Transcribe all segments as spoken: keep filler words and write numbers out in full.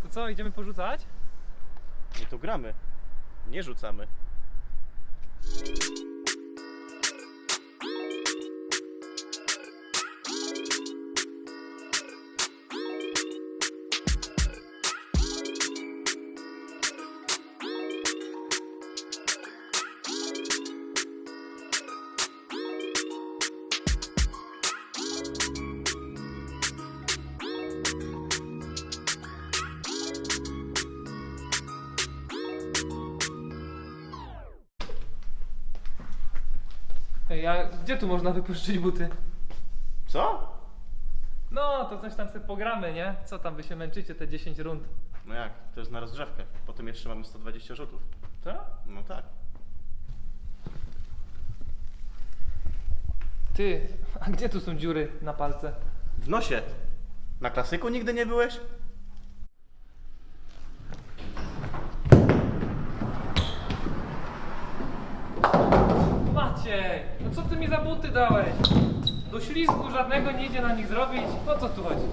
co, idziemy porzucać? My tu gramy, nie rzucamy. Ej, a gdzie tu można wypożyczyć buty? Co? No, to coś tam sobie pogramy, nie? Co tam, wy się męczycie te dziesięć rund? No jak? To jest na rozgrzewkę. Potem jeszcze mamy sto dwadzieścia rzutów. Co? No tak. Ty, a gdzie tu są dziury na palce? W nosie. Na klasyku nigdy nie byłeś? Maciej, no co ty mi za buty dałeś? Do ślizgu żadnego nie idzie na nich zrobić. O co tu chodzi?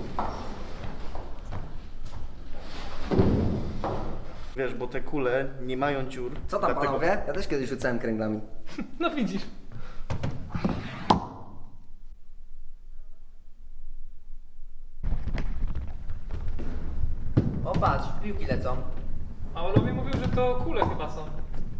Wiesz, bo te kule nie mają dziur. Co tam dlatego- panowie? Ja też kiedyś rzucałem kręglami. No widzisz. O patrz, piłki lecą. A Olowi mówił, że to kule chyba są.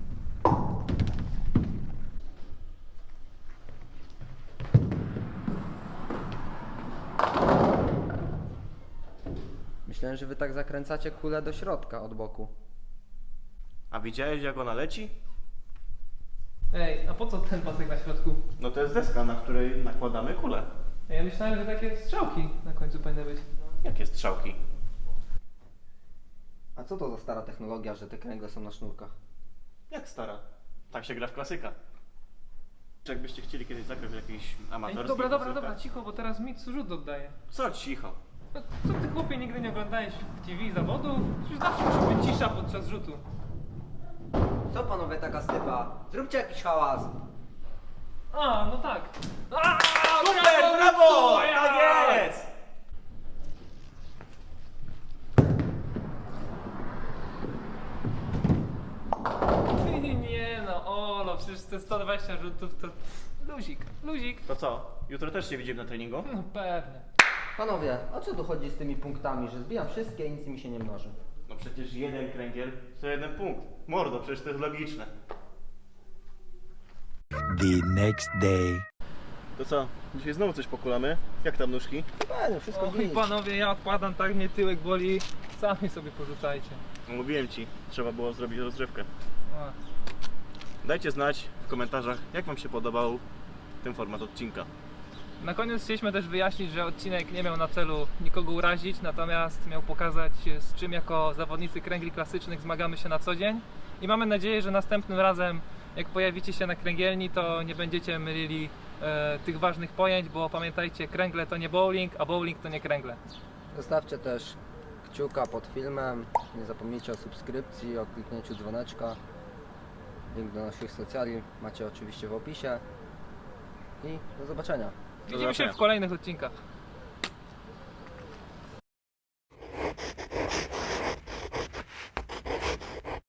Myślałem, że wy tak zakręcacie kulę do środka od boku. A widziałeś, jak ona leci? Ej, a po co ten pasek na środku? No to jest deska, na której nakładamy kulę. Ja myślałem, że takie strzałki na końcu powinny być. Jakie strzałki? A co to za stara technologia, że te kręgle są na sznurkach? Jak stara? Tak się gra w klasyka. Czy jakbyście chcieli kiedyś zagrać w jakiś Ej, amatorski dobra, dobra, klasyka? dobra, cicho, bo teraz mi rzut oddaje. Co cicho? No, co ty chłopie nigdy nie oglądałeś w T V zawodów? Przecież zawsze musi być cisza podczas rzutu. Co panowie taka stypa? Zróbcie jakiś hałas. A, no tak. A, Super, brawo, brawo! Wiktor, Tak ja! jest! Ty, nie no, Olo, przecież te sto dwadzieścia rzutów to luzik, luzik. To co? Jutro też się widzimy na treningu? No pewnie. Panowie, o co tu chodzi z tymi punktami, że zbijam wszystkie i nic mi się nie mnoży? No przecież jeden kręgiel to jeden punkt. Mordo, przecież to jest logiczne. The next day. To co? Dzisiaj znowu coś pokulamy? Jak tam nóżki? Pewnie, wszystko Oj panowie, ja odpadam, tak mnie tyłek boli. Sami sobie porzucajcie. No, mówiłem ci, trzeba było zrobić rozgrzewkę. A. Dajcie znać w komentarzach, jak wam się podobał ten format odcinka. Na koniec chcieliśmy też wyjaśnić, że odcinek nie miał na celu nikogo urazić, natomiast miał pokazać, z czym jako zawodnicy kręgli klasycznych zmagamy się na co dzień. I mamy nadzieję, że następnym razem, jak pojawicie się na kręgielni, to nie będziecie mylili e, tych ważnych pojęć, bo pamiętajcie, kręgle to nie bowling, a bowling to nie kręgle. Zostawcie też kciuka pod filmem. Nie zapomnijcie o subskrypcji, o kliknięciu dzwoneczka. Link do naszych socjali macie oczywiście w opisie. I do zobaczenia. Widzimy się zobaczenia. w kolejnych odcinkach.